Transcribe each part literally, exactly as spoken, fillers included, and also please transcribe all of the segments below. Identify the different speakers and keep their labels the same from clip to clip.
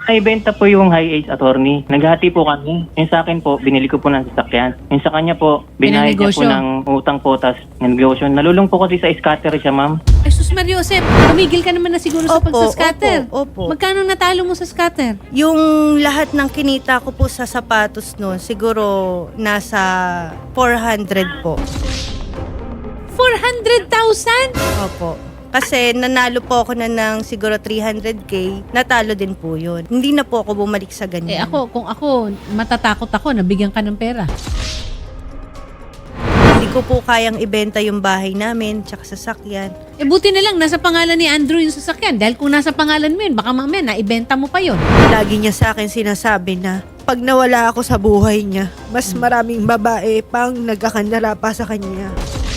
Speaker 1: Naibenta po yung high age attorney. Naghati po kami. Yung sa akin po, binili ko po ng sasakyan. Yung sa kanya po, binayad niya po
Speaker 2: Pinanegosyo.
Speaker 1: ng utang po, tas negosyo. Nalulung po kasi sa scatter siya, ma'am.
Speaker 2: Ay, sus Mario Josep, tumigil ka naman na siguro sa
Speaker 3: Opo,
Speaker 2: pagsascatter.
Speaker 3: opo, opo.
Speaker 2: Magkano natalo mo sa scatter?
Speaker 3: Yung lahat ng kinita ko po sa sapatos no, siguro nasa four hundred po.
Speaker 2: four hundred thousand?
Speaker 3: Opo. Kasi nanalo po ako na ng siguro three hundred K, natalo din po yun. Hindi na po ako bumalik sa
Speaker 2: Eh
Speaker 3: ganyan.
Speaker 2: ako, kung ako, matatakot ako, nabigyan ka ng pera.
Speaker 3: Hindi ko po kayang ibenta yung bahay namin, tsaka sasakyan.
Speaker 2: Eh buti na lang, nasa pangalan ni Andrew yung sasakyan. Dahil kung nasa pangalan mo yun, baka mamaya naibenta mo pa yun.
Speaker 3: Lagi niya sa akin sinasabi na pag nawala ako sa buhay niya, mas maraming babae pang nagkakandara pa sa kanya.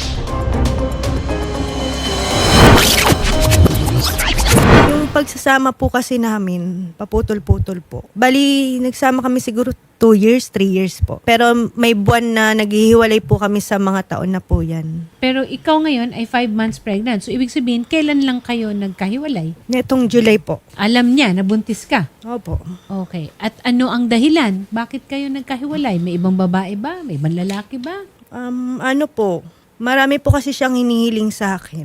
Speaker 3: Yung pagsasama po kasi namin, paputol-putol po. Bali, nagsama kami siguro two years, three years po. Pero may buwan na naghihiwalay po kami sa mga taon na po yan.
Speaker 2: Pero ikaw ngayon ay five months pregnant. So ibig sabihin, kailan lang kayo nagkahiwalay?
Speaker 3: Netong July po.
Speaker 2: Alam niya, nabuntis ka.
Speaker 3: Opo.
Speaker 2: Okay. At ano ang dahilan? Bakit kayo nagkahiwalay? May ibang babae ba? May ibang lalaki ba?
Speaker 3: Um, ano po, marami po kasi siyang hinihiling sa akin.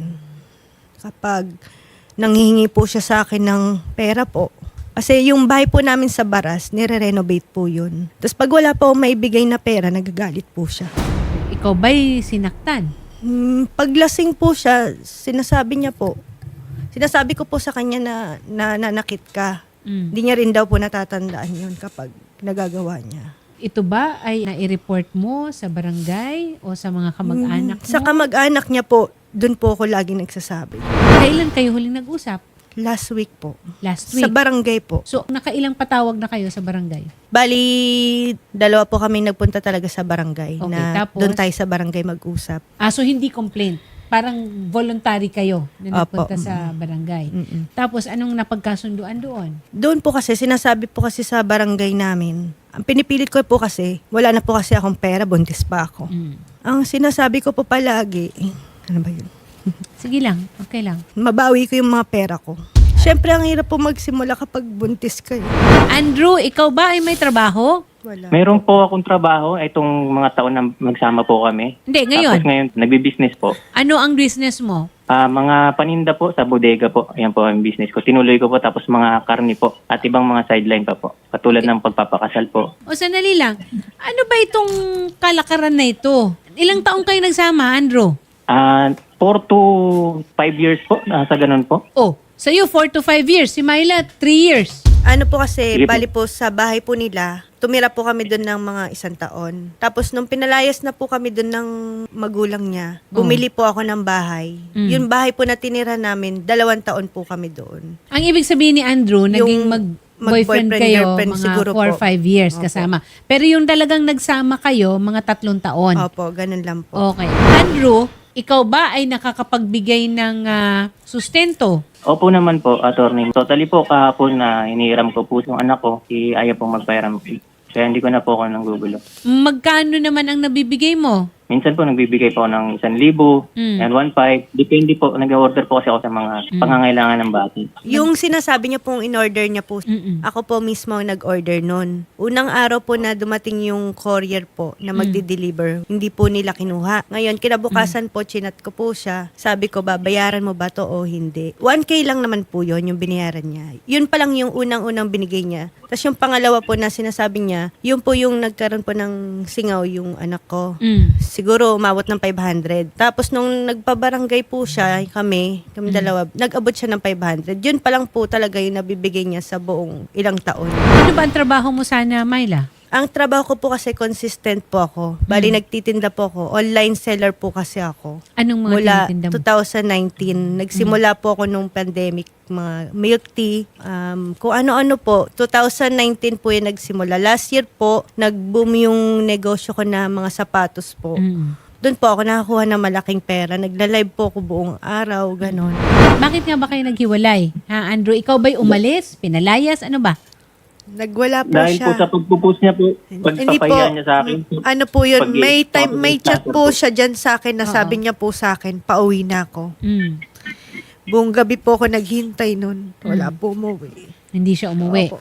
Speaker 3: Kapag nanghihingi po siya sa akin ng pera po. Kasi yung bahay po namin sa Baras, nire-renovate po yun. Tapos pag wala po akong maibigay na pera, nagagalit po siya.
Speaker 2: Ikaw ba'y sinaktan?
Speaker 3: Hmm, paglasing po siya, sinasabi niya po, sinasabi ko po sa kanya na nananakit ka.
Speaker 2: Mm.
Speaker 3: Hindi niya rin daw po natatandaan yun kapag nagagawa niya.
Speaker 2: Ito ba ay nai-report mo sa barangay o sa mga kamag-anak mo?
Speaker 3: Sa kamag-anak niya po, dun po ako lagi nagsasabi.
Speaker 2: Kailan kayo huling nag-usap?
Speaker 3: Last week po.
Speaker 2: Last
Speaker 3: Sa
Speaker 2: week.
Speaker 3: barangay po.
Speaker 2: So, nakailang patawag na kayo sa barangay?
Speaker 3: Bali, dalawa po kami nagpunta talaga sa barangay.
Speaker 2: Okay,
Speaker 3: na
Speaker 2: tapos?
Speaker 3: doon tayo sa barangay mag-usap.
Speaker 2: Ah, so hindi complaint. Parang voluntary kayo na
Speaker 3: Opo.
Speaker 2: nagpunta sa barangay.
Speaker 3: Mm-mm.
Speaker 2: Tapos, anong napagkasunduan doon?
Speaker 3: Doon po kasi, sinasabi po kasi sa barangay namin, ang pinipilit ko po kasi, wala na po kasi akong pera, buntis pa ako.
Speaker 2: Mm.
Speaker 3: Ang sinasabi ko po palagi, ano ba yun?
Speaker 2: Sige lang, okay lang.
Speaker 3: Mabawi ko yung mga pera ko. Siyempre, ang hirap po magsimula kapag buntis kayo.
Speaker 2: Andrew, ikaw ba ay may trabaho?
Speaker 3: Wala.
Speaker 1: Meron po akong trabaho itong mga taon na magsama po kami.
Speaker 2: Hindi, ngayon.
Speaker 1: Tapos ngayon, nagbi-business po.
Speaker 2: Ano ang business mo?
Speaker 1: Ah, mga paninda po sa bodega po. Ayan po ang business ko. Tinuloy ko po, tapos mga karni po at ibang mga sideline pa po. Katulad ng pagpapakasal po.
Speaker 2: O sanali lang, ano ba itong kalakaran na ito? Ilang taong kayo nagsama, Andrew?
Speaker 1: Ah, four to five years po, nasa ganun po.
Speaker 2: Oh, sa'yo four to five years. Si Myla, three years.
Speaker 3: Ano po kasi,
Speaker 1: Sige po.
Speaker 3: bali po sa bahay po nila, tumira po kami doon ng mga isang taon. Tapos nung pinalayas na po kami doon ng magulang niya, bumili po ako ng bahay.
Speaker 2: Mm.
Speaker 3: Yung bahay po na tinira namin, dalawang taon po kami doon.
Speaker 2: Ang ibig sabihin ni Andrew, naging mag boyfriend
Speaker 3: mag-boyfriend,
Speaker 2: kayo
Speaker 3: girlfriend
Speaker 2: mga
Speaker 3: siguro
Speaker 2: four
Speaker 3: po.
Speaker 2: five years
Speaker 3: Opo.
Speaker 2: kasama. Pero yung talagang nagsama kayo, mga tatlong taon.
Speaker 3: Opo, ganun lang po.
Speaker 2: Okay. Andrew, ikaw ba ay nakakapagbigay ng ah, sustento?
Speaker 1: Opo naman po, attorney. Totally po, kahapon na inihiram ko po yung anak ko, si ayaw pong magpairam. Kaya hindi ko na po ako nang gugulo.
Speaker 2: Magkano naman ang nabibigay mo?
Speaker 1: Minsan po nagbibigay po ako ng isang libo
Speaker 2: Mm.
Speaker 1: and one five. Depende po, nag-order po kasi ako sa mga pangangailangan ng bata.
Speaker 3: Yung sinasabi niya pong in-order niya po,
Speaker 2: Mm-mm.
Speaker 3: ako po mismo ang nag-order nun. Unang araw po na dumating yung courier po na magdi-deliver, hindi po nila kinuha. Ngayon, kinabukasan po, chinat ko po siya. Sabi ko, babayaran mo ba to o hindi? one K lang naman po yun, yung binayaran niya. Yun pa lang yung unang-unang binigay niya. Tapos yung pangalawa po na sinasabi niya, yun po yung nagkaroon po ng singaw yung anak ko.
Speaker 2: Mm.
Speaker 3: Siguro umabot ng five hundred. Tapos nung nagpabarangay po siya, kami, kami dalawa, nag-abot siya ng five hundred. Yun pa lang po talaga yung nabibigay niya sa buong ilang taon.
Speaker 2: Ano ba ang trabaho mo sana, Myla?
Speaker 3: Ang trabaho ko po kasi consistent po ako. Bali, nagtitinda po ako. Online seller po kasi ako.
Speaker 2: Anong mga
Speaker 3: Mula
Speaker 2: tinitinda mo?
Speaker 3: twenty nineteen, nagsimula po ako nung pandemic, mga milk tea, um, kung ano-ano po. twenty nineteen po yung nagsimula. Last year po, nag-boom yung negosyo ko na mga sapatos po.
Speaker 2: Mm.
Speaker 3: Doon po ako nakakuha ng malaking pera. Nagla-live po ako buong araw, ganon.
Speaker 2: Bakit nga ba kayo naghiwalay? Ha, Andrew, ikaw ba'y umalis? Pinalayas? Ano ba?
Speaker 3: Nagwala po
Speaker 1: Dahil
Speaker 3: siya.
Speaker 1: po sa pagpupus niya po,
Speaker 3: Hindi po,
Speaker 1: pagpapahiya niya sa akin.
Speaker 3: ano po yun,
Speaker 1: Pag-
Speaker 3: may time, may chat po
Speaker 1: pag-
Speaker 3: siya dyan sa akin na
Speaker 2: Oo.
Speaker 3: sabi niya po sa akin, pauwi na ako.
Speaker 2: Mm.
Speaker 3: Buong gabi po ako naghintay nun. Wala po umuwi.
Speaker 2: Hindi siya umuwi.
Speaker 3: Opo.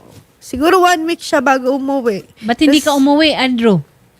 Speaker 3: Siguro one week siya bago umuwi.
Speaker 2: Ba't hindi ka
Speaker 3: Tas-
Speaker 2: umuwi, Andrew?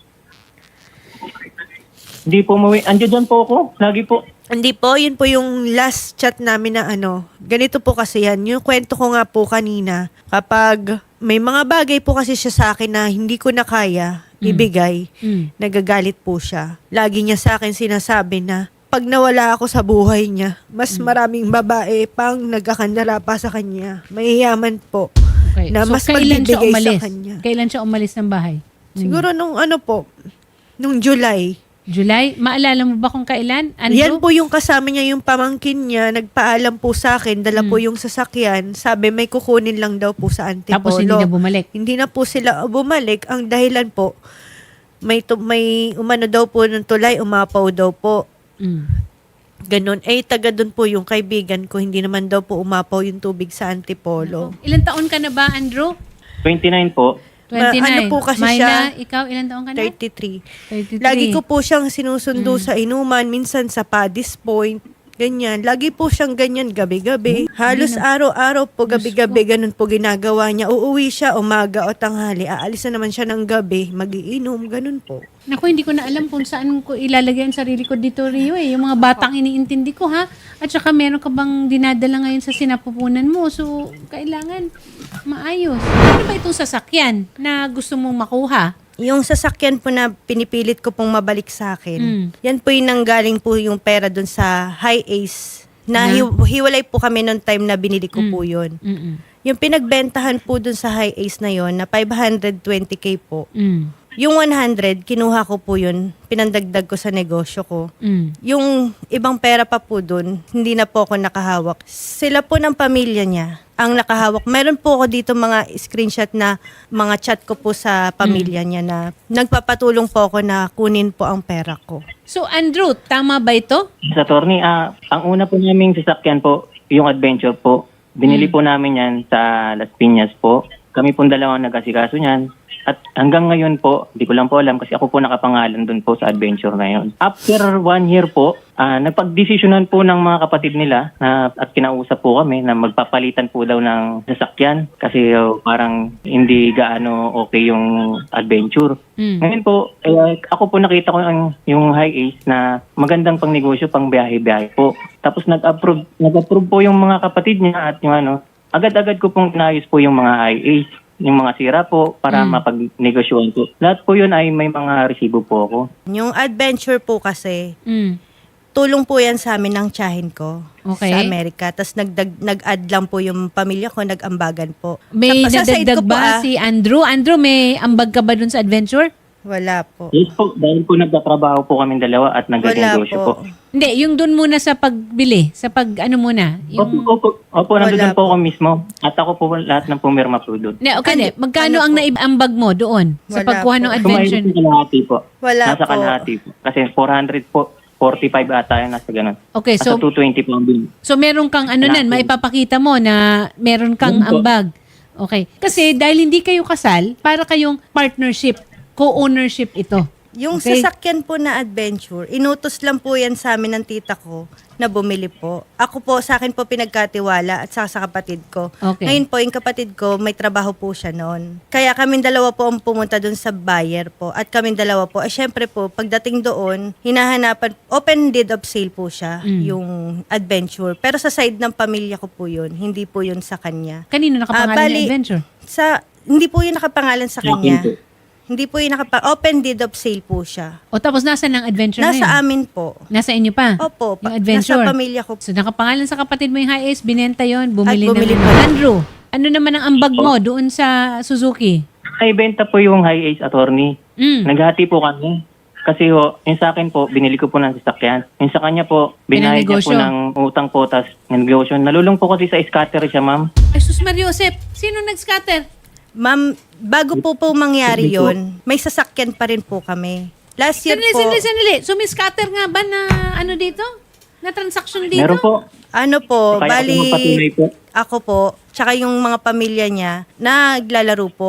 Speaker 1: Hindi po umuwi. Andiyan dyan po ako. Lagi po.
Speaker 3: Hindi po, yun po yung last chat namin na ano. Ganito po kasi yan. Yung kwento ko nga po kanina, kapag may mga bagay po kasi siya sa akin na hindi ko na kaya ibigay,
Speaker 2: Mm.
Speaker 3: nagagalit po siya. Lagi niya sa akin sinasabi na pag nawala ako sa buhay niya, mas maraming babae pang nagkakandara pa sa kanya. Mayayaman po.
Speaker 2: Okay.
Speaker 3: Na
Speaker 2: So,
Speaker 3: mas
Speaker 2: kailan siya
Speaker 3: magbibigay sa
Speaker 2: umalis?
Speaker 3: kanya.
Speaker 2: Kailan siya umalis ng bahay? Mm.
Speaker 3: Siguro nung ano po, nung July.
Speaker 2: July? Maalala mo ba kung kailan, Andrew?
Speaker 3: Yan po yung kasama niya, yung pamangkin niya, nagpaalam po sa akin, dala po yung sasakyan, sabi may kukunin lang daw po sa Antipolo.
Speaker 2: Tapos hindi na bumalik.
Speaker 3: Hindi na po sila bumalik. Ang dahilan po, may, tu- may umano daw po ng tulay, umapaw daw po.
Speaker 2: Mm.
Speaker 3: Ganon. Eh, taga doon po yung kaibigan ko, hindi naman daw po umapaw yung tubig sa Antipolo.
Speaker 2: Ilan taon ka na ba, Andrew?
Speaker 1: twenty-nine po.
Speaker 2: twenty-nine.
Speaker 3: ano po kasi
Speaker 2: Myla,
Speaker 3: siya?
Speaker 2: ikaw, ilan taon ka na?
Speaker 3: thirty-three.
Speaker 2: thirty-three.
Speaker 3: Lagi ko po siyang sinusundo
Speaker 2: Mm.
Speaker 3: sa inuman, minsan sa Paddy's Point, ganyan. Lagi po siyang ganyan gabi-gabi. Halos araw-araw po, gabi-gabi, ganun po ginagawa niya. Uuwi siya umaga o tanghali, aalis na naman siya ng gabi, magiinom, ganun po.
Speaker 2: Naku, hindi ko na alam kung saan ko ilalagay ang sarili ko dito, Rio, eh. Yung mga batang iniintindi ko, ha? At saka meron ka bang dinadala ngayon sa sinapupunan mo? So, kailangan maayos. Ano ba itong sasakyan na gusto mong makuha?
Speaker 3: Yung sasakyan po na pinipilit ko pong mabalik sa akin,
Speaker 2: Mm.
Speaker 3: yan po yung nanggaling po yung pera dun sa High Ace. Na
Speaker 2: Na?
Speaker 3: hi- hiwalay po kami noong time na binili ko
Speaker 2: Mm.
Speaker 3: po yun.
Speaker 2: Mm-mm.
Speaker 3: Yung pinagbentahan po dun sa High Ace na yon na five hundred twenty K po.
Speaker 2: Mm.
Speaker 3: Yung one hundred, kinuha ko po yun, pinandagdag ko sa negosyo ko.
Speaker 2: Mm.
Speaker 3: Yung ibang pera pa po dun, hindi na po ako nakahawak. Sila po ng pamilya niya ang nakahawak. Meron po ako dito mga screenshot na mga chat ko po sa pamilya niya na nagpapatulong po ako na kunin po ang pera ko.
Speaker 2: So, Andrew, tama ba ito?
Speaker 1: Sa attorney, ah, ang una po naming sasakyan po, yung adventure po. Binili po namin yan sa Las Piñas po. Kami pong dalawang nag-asikaso niyan. At hanggang ngayon po, hindi ko lang po alam kasi ako po nakapangalan doon po sa adventure na yun. After one year po, ah, napag-desisyonan po ng mga kapatid nila na, at kinausap po kami na magpapalitan po daw ng sasakyan kasi oh, parang hindi gaano okay yung adventure.
Speaker 2: Mm.
Speaker 1: Ngayon po, eh, ako po nakita ko ang, yung High Ace na magandang pang negosyo, pang biyahe-biyahe po. Tapos nag-approve, nag-approve po yung mga kapatid niya at yung ano, agad-agad ko pong inayos po yung mga High Ace, yung mga sira po para
Speaker 2: Mm.
Speaker 1: mapag-negosyoan po. Lahat po yun ay may mga resibo po ako.
Speaker 3: Yung adventure po kasi,
Speaker 2: Mm.
Speaker 3: tulong po yan sa amin ng tiyahin ko
Speaker 2: Okay.
Speaker 3: sa Amerika. Tapos nagdag, nag-add lang po yung pamilya ko, nag-ambagan po.
Speaker 2: May
Speaker 3: Sa- sa side
Speaker 2: nadagdag
Speaker 3: ko po,
Speaker 2: ba
Speaker 3: ah,
Speaker 2: si Andrew? Andrew, may ambag ka ba dun sa adventure?
Speaker 3: Wala po.
Speaker 1: Yes po, dahil po nagtatrabaho po kami dalawa at
Speaker 3: Wala
Speaker 1: nag-negosyo po.
Speaker 3: po.
Speaker 2: Hindi, yung dun muna sa pagbili. Sa pag, ano muna?
Speaker 1: Opo,
Speaker 2: Yung...
Speaker 1: opo, opo, nandun
Speaker 3: Wala
Speaker 1: po
Speaker 3: po.
Speaker 1: ako mismo. At ako po lahat ng pumirma po doon.
Speaker 2: Hindi, okay,
Speaker 3: Ano-
Speaker 2: hindi. Magkano
Speaker 3: ano
Speaker 2: ang
Speaker 3: po?
Speaker 2: naibambag mo doon sa
Speaker 3: Wala
Speaker 2: pagkuha ng
Speaker 3: po.
Speaker 2: adventure?
Speaker 1: Sumayos po kalahati po.
Speaker 3: Wala
Speaker 1: Nasa
Speaker 3: po.
Speaker 1: kalahati po. Kasi four hundred po, forty-five ata yun, nasa ganun.
Speaker 2: Okay,
Speaker 1: Nasa
Speaker 2: so
Speaker 1: two twenty po ang bill.
Speaker 2: so meron kang ano nan,
Speaker 1: Kalahati.
Speaker 2: maipapakita mo na meron kang
Speaker 1: Yun po.
Speaker 2: ambag. Okay. Kasi dahil hindi kayo kasal, para kayong partnership, co-ownership ito.
Speaker 3: Yung
Speaker 2: Okay.
Speaker 3: sasakyan po na adventure, inutos lang po yan sa amin ng tita ko na bumili po. Ako po, sa akin po pinagkatiwala at saka sa kapatid ko.
Speaker 2: Okay.
Speaker 3: Ngayon po, yung kapatid ko, may trabaho po siya noon. Kaya kami dalawa po ang pumunta doon sa buyer po. At kami dalawa po, eh syempre po, pagdating doon, hinahanapan, open deed of sale po siya,
Speaker 2: Mm.
Speaker 3: yung adventure. Pero sa side ng pamilya ko po yun, hindi po yun sa kanya.
Speaker 2: Kanino nakapangalan
Speaker 3: Ah, bali-
Speaker 2: ng adventure?
Speaker 3: Sa, hindi po yun nakapangalan sa
Speaker 1: Sa akin
Speaker 3: kanya.
Speaker 1: po.
Speaker 3: Hindi po yun nakapa, open deed of sale po siya.
Speaker 2: O tapos nasa ng adventure na
Speaker 3: Nasa
Speaker 2: yun?
Speaker 3: amin po.
Speaker 2: Nasa inyo pa?
Speaker 3: Opo,
Speaker 2: Yung
Speaker 3: pa-
Speaker 2: adventure?
Speaker 3: nasa pamilya ko.
Speaker 2: So nakapangalan sa kapatid mo yung High Ace, binenta yon, bumili,
Speaker 3: At bumili
Speaker 2: na.
Speaker 3: pa.
Speaker 2: Andrew, ano naman ang ambag mo doon sa Suzuki?
Speaker 1: Ay, benta po yung High Ace attorney.
Speaker 2: Mm.
Speaker 1: Naghati po kami. Kasi ho, yung sa akin po, binili ko po ng sasakyan. Yung sa kanya po, binayad niya po
Speaker 2: Pinanegosyo.
Speaker 1: ng utang po, tas negosyo. Nalulung po kasi sa scatter siya, ma'am.
Speaker 2: Ay, sus Mario Josep, sino nag-scatter?
Speaker 3: Ma'am, bago po po mangyari
Speaker 1: Sige po.
Speaker 3: yon, may sasakyan pa rin po kami. Last year
Speaker 2: Sandali,
Speaker 3: po,
Speaker 2: sandali, sandali. So may scatter nga ba na ano dito? Na transaction dito?
Speaker 1: Meron po.
Speaker 3: ano po,
Speaker 1: Kaya ako magpatuloy
Speaker 3: bali,
Speaker 1: po.
Speaker 3: ako po, tsaka yung mga pamilya niya, naglalaro po.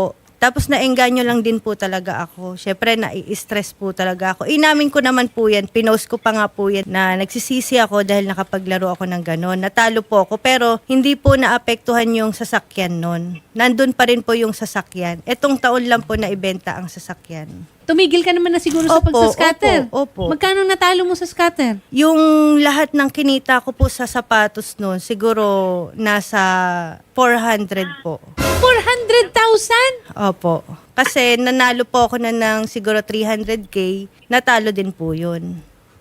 Speaker 3: Tapos naengganyo lang din po talaga ako. Syempre, nai-stress po talaga ako. Inamin ko naman po yan. Pinost ko pa nga po yan na nagsisisi ako dahil nakapaglaro ako ng ganon. Natalo po ako pero hindi po naapektuhan yung sasakyan nun. Nandun pa rin po yung sasakyan. Etong taon lang po na ibenta ang sasakyan.
Speaker 2: Tumigil ka naman na siguro sa
Speaker 3: Opo,
Speaker 2: pagsascatter.
Speaker 3: opo, opo.
Speaker 2: Magkano natalo mo sa scatter?
Speaker 3: Yung lahat ng kinita ko po sa sapatos nun, siguro nasa four hundred po.
Speaker 2: four hundred thousand?
Speaker 3: Opo. Kasi nanalo po ako na ng siguro three hundred K, natalo din po yun.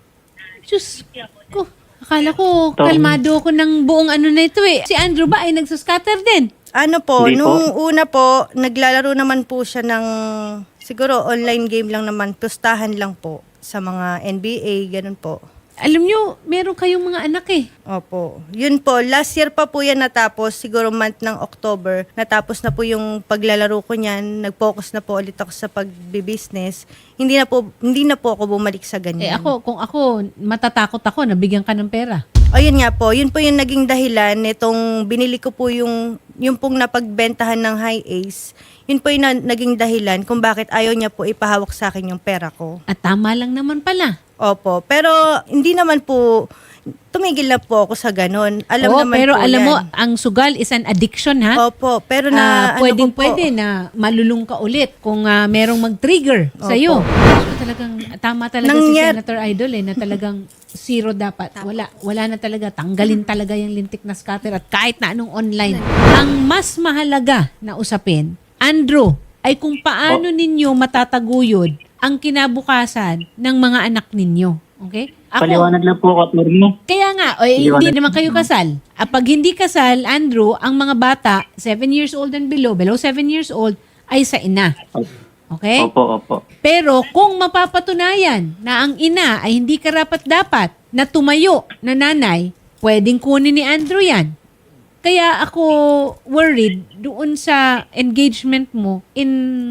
Speaker 2: Diyos ko. Akala ko,
Speaker 1: Tom.
Speaker 2: kalmado ako ng buong ano na ito eh. Si Andrew ba ay nagsascatter din?
Speaker 3: Ano po,
Speaker 1: Hindi po.
Speaker 3: nung una po, naglalaro naman po siya ng siguro online game lang naman, pustahan lang po sa mga N B A, ganun po.
Speaker 2: Alam nyo, meron kayong mga anak eh.
Speaker 3: Opo. Yun po, last year pa po yan natapos, siguro month ng October, natapos na po yung paglalaro ko niyan, nag-focus na po ulit ako sa pagbi-business. Hindi na po, hindi na po ako bumalik sa
Speaker 2: Eh
Speaker 3: ganyan.
Speaker 2: ako, kung ako, matatakot ako, nabigyan ka ng pera.
Speaker 3: O yun nga po, yun po yung naging dahilan nitong binili ko po yung, yung pong napagbentahan ng High Ace. Yun po yung na, naging dahilan kung bakit ayaw niya po ipahawak sa akin yung pera ko.
Speaker 2: At tama lang naman pala.
Speaker 3: Opo, pero hindi naman po, tumigil na po ako sa ganon. Alam
Speaker 2: Oo,
Speaker 3: naman
Speaker 2: pero
Speaker 3: po
Speaker 2: alam
Speaker 3: yan.
Speaker 2: mo, ang sugal is an addiction ha.
Speaker 3: Opo, pero
Speaker 2: Ah,
Speaker 3: na ano
Speaker 2: pwedeng
Speaker 3: ko po,
Speaker 2: pwede na malulung ka ulit kung ah, merong mag-trigger sa iyo. So, talagang tama talaga
Speaker 3: Nangyar-
Speaker 2: si Senator Idol eh na talagang zero dapat. Wala wala na talaga, tanggalin talaga yung lintik na scatter at kahit na anong online. Ang mas mahalaga na usapin, Andrew, ay kung paano ninyo matataguyod ang kinabukasan ng mga anak ninyo. Okay?
Speaker 1: Paliwanag lang po ako, attorney.
Speaker 2: Kaya nga, o, eh,
Speaker 1: Liwanag.
Speaker 2: hindi naman kayo kasal. Ah, pag hindi kasal, Andrew, ang mga bata, seven years old and below, below seven years old, ay sa ina. Okay?
Speaker 1: Opo, opo.
Speaker 2: Pero kung mapapatunayan na ang ina ay hindi karapat-dapat na tumayo na nanay, pwedeng kunin ni Andrew yan. Kaya ako worried doon sa engagement mo in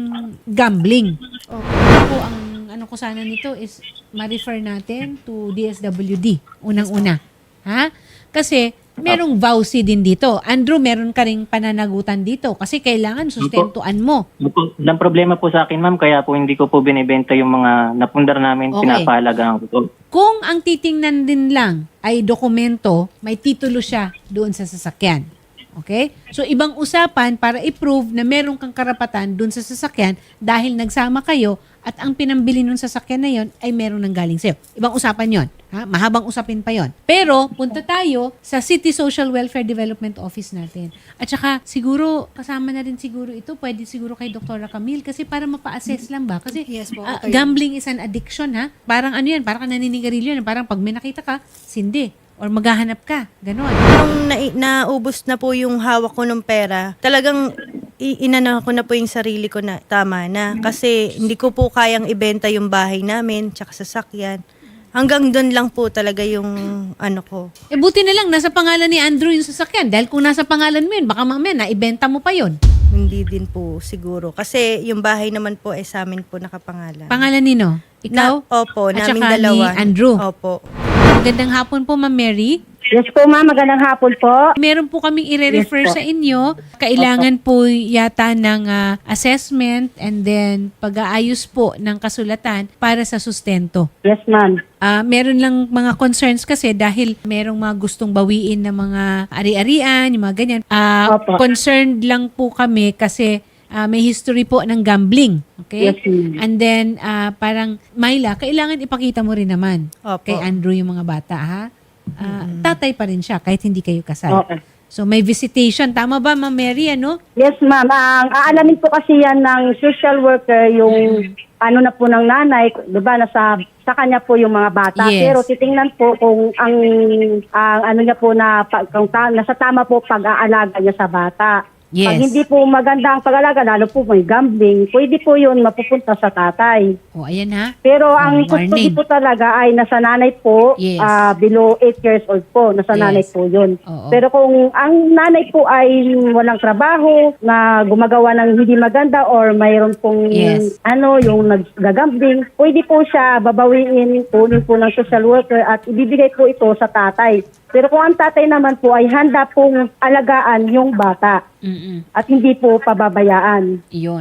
Speaker 2: gambling. Ako, ang ano ko sana nito is ma-refer natin to D S W D, unang-una. Ha? Kasi merong vowsy din dito. Andrew, meron ka ring pananagutan dito kasi kailangan sustentuan mo.
Speaker 1: Opo. Ang problema po sa akin, ma'am, kaya po hindi ko po binibenta yung mga napundar namin,
Speaker 2: Okay.
Speaker 1: pinapahalagaan ko po.
Speaker 2: Kung ang titingnan din lang ay dokumento, may titulo siya doon sa sasakyan. Okay? So, ibang usapan para i-prove na meron kang karapatan doon sa sasakyan dahil nagsama kayo at ang pinambili ng sasakyan na yon ay meron nang galing sa'yo. Ibang usapan yon. Ha? Mahabang usapin pa yon. Pero, punta tayo sa City Social Welfare Development Office natin. At saka, siguro, kasama na rin siguro ito, pwede siguro kay Doktora Camille kasi para mapa-assess lang ba? Kasi
Speaker 3: Yes po,
Speaker 2: ah,
Speaker 3: okay.
Speaker 2: gambling is an addiction, ha? Parang ano yan, parang ka naninigarilyo yan. Parang pag may nakita ka, sindi. Or maghahanap ka. Ganon.
Speaker 3: Nung na, naubos na po yung hawak ko ng pera, talagang i- inano ko na po yung sarili ko na tama na. Kasi hindi ko po kayang ibenta yung bahay namin, tsaka sasakyan. Hanggang doon lang po talaga yung ano ko.
Speaker 2: Eh buti na lang, nasa pangalan ni Andrew yung sasakyan. Dahil kung nasa pangalan mo yun, baka mamaya naibenta mo pa yun.
Speaker 3: Hindi din po siguro. Kasi yung bahay naman po ay sa amin po nakapangalan.
Speaker 2: Pangalan nino? Ikaw?
Speaker 3: Na, opo,
Speaker 2: At
Speaker 3: naming
Speaker 2: saka
Speaker 3: dalawa.
Speaker 2: ni Andrew?
Speaker 3: Opo.
Speaker 2: Magandang hapon po, Ma'am Mary.
Speaker 4: Yes po, ma'am. Magandang hapon po.
Speaker 2: Meron po kaming i-refer
Speaker 4: Yes po.
Speaker 2: sa inyo. Kailangan po yata ng ah, assessment and then pag-aayos po ng kasulatan para sa sustento.
Speaker 4: Yes, ma'am.
Speaker 2: Ah, meron lang mga concerns kasi dahil merong mga gustong bawiin na mga ari-arian, yung mga ganyan. Ah,
Speaker 4: Opo.
Speaker 2: concerned lang po kami kasi ah, may history po ng gambling. Okay?
Speaker 4: Yes, ma'am.
Speaker 2: And then, ah, parang, Myla, kailangan ipakita mo rin naman
Speaker 3: Opo.
Speaker 2: kay Andrew yung mga bata, ha? Ah, tatay pa rin siya kahit hindi kayo kasal.
Speaker 4: Okay.
Speaker 2: So, may visitation. Tama ba, Ma'am Mary, ano?
Speaker 4: Yes, ma'am. Ang aalamin po kasi yan ng social worker, yung ano na po ng nanay, di ba, nasa sa kanya po yung mga bata.
Speaker 2: Yes.
Speaker 4: Pero titingnan po kung ang, ang ano niya po na, pag- kung ta, nasa tama po pag-aalaga niya sa bata.
Speaker 2: Yes.
Speaker 4: Pag hindi po maganda ang pag-alaga, lalo po may gambling, pwede po yun mapupunta sa tatay.
Speaker 2: O, ayan ha.
Speaker 4: Pero ang
Speaker 2: Oh,
Speaker 4: custody
Speaker 2: warning.
Speaker 4: po talaga ay nasa nanay po,
Speaker 2: Yes.
Speaker 4: ah, below eight years old po, nasa
Speaker 2: Yes.
Speaker 4: nanay po yun.
Speaker 2: Oo.
Speaker 4: Pero kung ang nanay po ay walang trabaho, na gumagawa ng hindi maganda or mayroon pong
Speaker 2: Yes.
Speaker 4: ano, yung naggagambling, pwede po siya babawiin, kunin po ng social worker at ibibigay po ito sa tatay. Pero kung ang tatay naman po ay handa pong alagaan yung bata
Speaker 2: Mm-mm.
Speaker 4: at hindi po pababayaan.
Speaker 2: Iyon.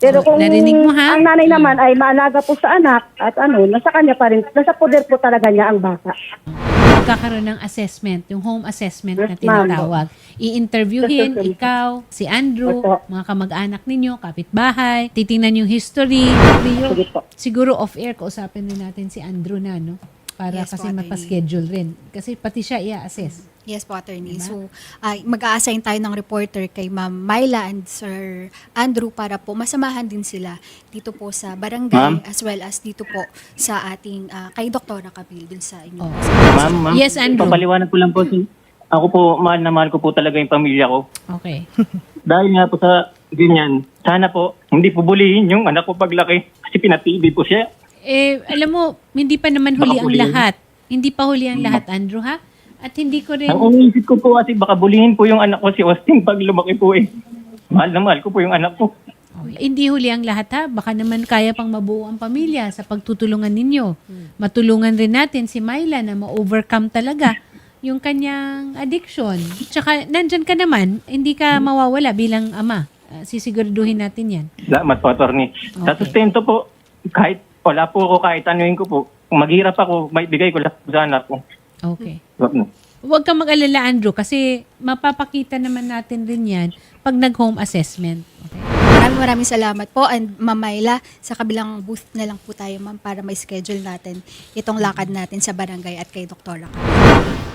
Speaker 4: Pero
Speaker 2: So,
Speaker 4: kung
Speaker 2: narinig mo, ha?
Speaker 4: ang nanay naman ay maalaga po sa anak at ano, nasa kanya pa rin, nasa poder po talaga niya ang bata.
Speaker 2: Magkakaroon ng assessment, yung home assessment na
Speaker 4: Yes, ma'am.
Speaker 2: tinatawag. I-interviewin,
Speaker 4: Yes, yes, yes.
Speaker 2: ikaw, si Andrew,
Speaker 4: Opo.
Speaker 2: mga kamag-anak ninyo, kapitbahay, titingnan yung history. Rio,
Speaker 4: Sige po.
Speaker 2: siguro off-air, kausapin din natin si Andrew na, no? Para
Speaker 5: Yes
Speaker 2: kasi
Speaker 5: po, attorney.
Speaker 2: mapaschedule rin. Kasi pati siya i-assess.
Speaker 5: Yes po, attorney.
Speaker 2: Diba?
Speaker 5: So, ay mag-a-assign tayo ng reporter kay Ma'am Myla and Sir Andrew para po masamahan din sila dito po sa barangay
Speaker 1: Ma'am?
Speaker 5: as well as dito po sa ating, ah, kay Doktora Camille dun sa inyo.
Speaker 2: Oh.
Speaker 1: Ma'am, ma'am.
Speaker 2: Yes, Andrew.
Speaker 1: Papaliwanag ko lang po. si- Ako po, mahal na mahal ko po talaga yung pamilya ko.
Speaker 2: Okay.
Speaker 1: Dahil nga po sa ganyan, sana po, hindi po bulihin yung anak ko paglaki. Kasi pinatibi po siya.
Speaker 2: Eh, alam mo, hindi pa naman huli
Speaker 1: Baka
Speaker 2: ang
Speaker 1: bulihin.
Speaker 2: lahat. Hindi pa huli ang lahat, Andrew, ha? At hindi ko rin...
Speaker 1: Ang umiisip ko po kasi baka bulihin po yung anak ko si Austin pag lumaki po eh. Mahal na mahal ko po yung anak ko.
Speaker 2: Hindi huli ang lahat, ha? Baka naman kaya pang mabuo ang pamilya sa pagtutulungan ninyo. Matulungan rin natin si Myla na ma-overcome talaga yung kanyang addiction. Tsaka, nandyan ka naman, hindi ka mawawala bilang ama. Ah, sisiguraduhin natin yan.
Speaker 1: Salamat po, attorney. Sa
Speaker 2: Okay.
Speaker 1: sustento po, kahit wala po ako, kahit anuin ko po, kung maghirap ako, may bigay ko lang sa anak ko.
Speaker 2: Okay.
Speaker 1: Wag na.
Speaker 2: Huwag kang mag-alala, Andrew, kasi mapapakita naman natin rin yan pag nag-home assessment. Okay?
Speaker 5: Maraming maraming salamat po and Ma'am Myla, sa kabilang booth na lang po tayo ma'am para may schedule natin itong lakad natin sa barangay at kay Doktora Camille.